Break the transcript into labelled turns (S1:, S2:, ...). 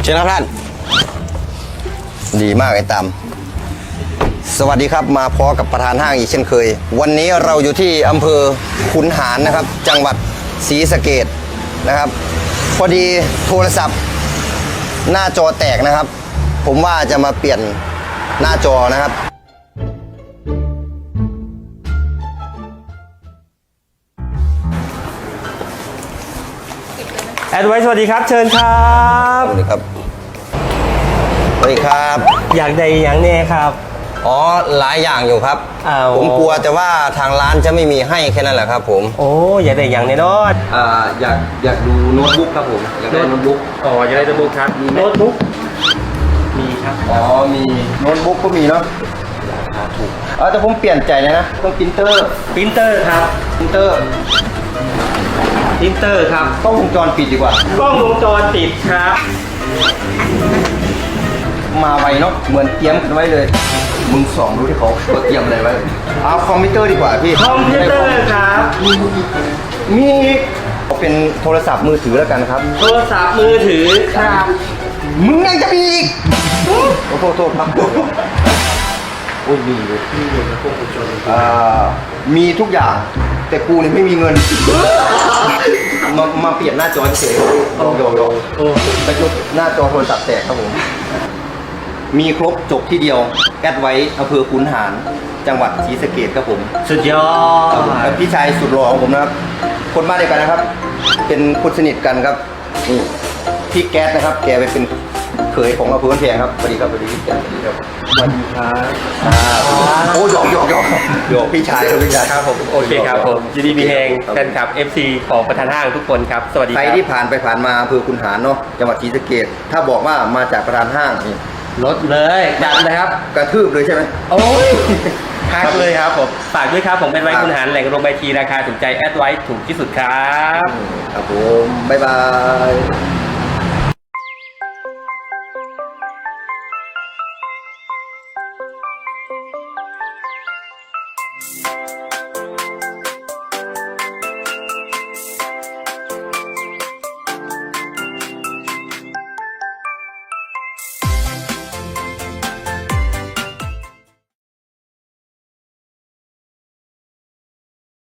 S1: ชิญครับท่านดีมากไอ้ตามสวัสดีครับมาพอกับประธานห้างอีกเช่นเคยวันนี้เราอยู่ที่อำเภอขุนหารนะครับจังหวัดศรีสะเกษนะครับพอดีโทรศัพท์หน้าจอแตกนะครับผมว่าจะมาเปลี่ยนหน้าจอนะครับ
S2: แอดไว้สวัสดีครับเชิญครับ
S1: สวัสดีครับสวัสดีครับ
S2: อยากได้อย่างแน่ครับ
S1: อ๋อหลายอย่างอยู่ครับ ผมกลัวแต่ว่าทางร้านจะไม่มีให้แค่นั้นแหละครับผม
S2: โอ้อยากได้อย่างแน่นอน
S1: อยากดูโน้ตบุ๊กครับผมอยากได้โน้ตบุ๊ก
S2: อ๋ออยากได้โน้ตบุ๊กครับ
S1: มีไหม
S2: โน้ตบุ๊กมีครับ
S1: อ๋อมีโน้ตบุ๊กก็มีเนาะราคาถูกแต่ผมเปลี่ยนใจเลยนะต้องปรินเตอร์
S2: ปรินเตอร์ครับ
S1: ปรินเตอร์
S2: ปรินเตอร์ครับ
S1: กล้องวงจรปิดดีกว่าก
S2: ล้องวงจรปิดครับ
S1: มาไวเนาะเหมือนเตรียมกันไว้เลยมึงส่องดูที่เขาเตรียมอะไรไว้เอาคอมพิวเตอร์ดีกว่าพี่
S2: คอมพิวเตอร์ครับ
S1: มีเป็นโทรศัพท์มือถือแล้วกันครับ
S2: โทรศัพท์มือถือครับ
S1: มึงยังจะมีอีกโอ้โทษครับโอ้ยมีเลยมีทุกอย่างแต่กูเนี่ยไม่มีเงิน มาเปลี่ยนหน้าจอเฉยๆโยไปจบหน้าจอโทรศัพท์แตกครับผมมีครบจบที่เดียวแอดไว้อำเภอขุนหารจังหวัดศรีสะเกษครับผม
S2: สุดยอ
S1: ครับผม
S2: ด
S1: พี่ชายสุดหล่อของผมนะครับคนบ้านเดียวกันนะครับ เป็นคนสนิทกันครับนี่พี่แก๊สนะครับแกไปเป็นเขยของอำเภอบ้านแพงครับสวัสดีครับสวัสดีพี่แก๊สสวัสดีครับ
S2: สวัสดีครับ
S1: โอ้หยอกพี่ชายครับพี่ชาย
S2: ครับผมโอเคครับผมยินดีมีแหงแฟนคลับ FC ของประธานห้างทุกคนครับสวัสดีค
S1: ใคร
S2: รับ
S1: ที่ผ่านไปผ่านมาอำเภอขุนหารเนาะจังหวัดศรีสะเกษถ้าบอกว่ามาจากประธานห้างนี่
S2: ลดเลยจัดเลยครับ
S1: กระทืบเลยใช่ไหม
S2: โอ้ยทักเลยครับผมฝากด้วยครับผมเป็นไว้คุณหารแหล่งรวมใบทีราคาถูกใจแอดไว้ถูกที่สุดครับ
S1: ครับผมบ๊ายบาย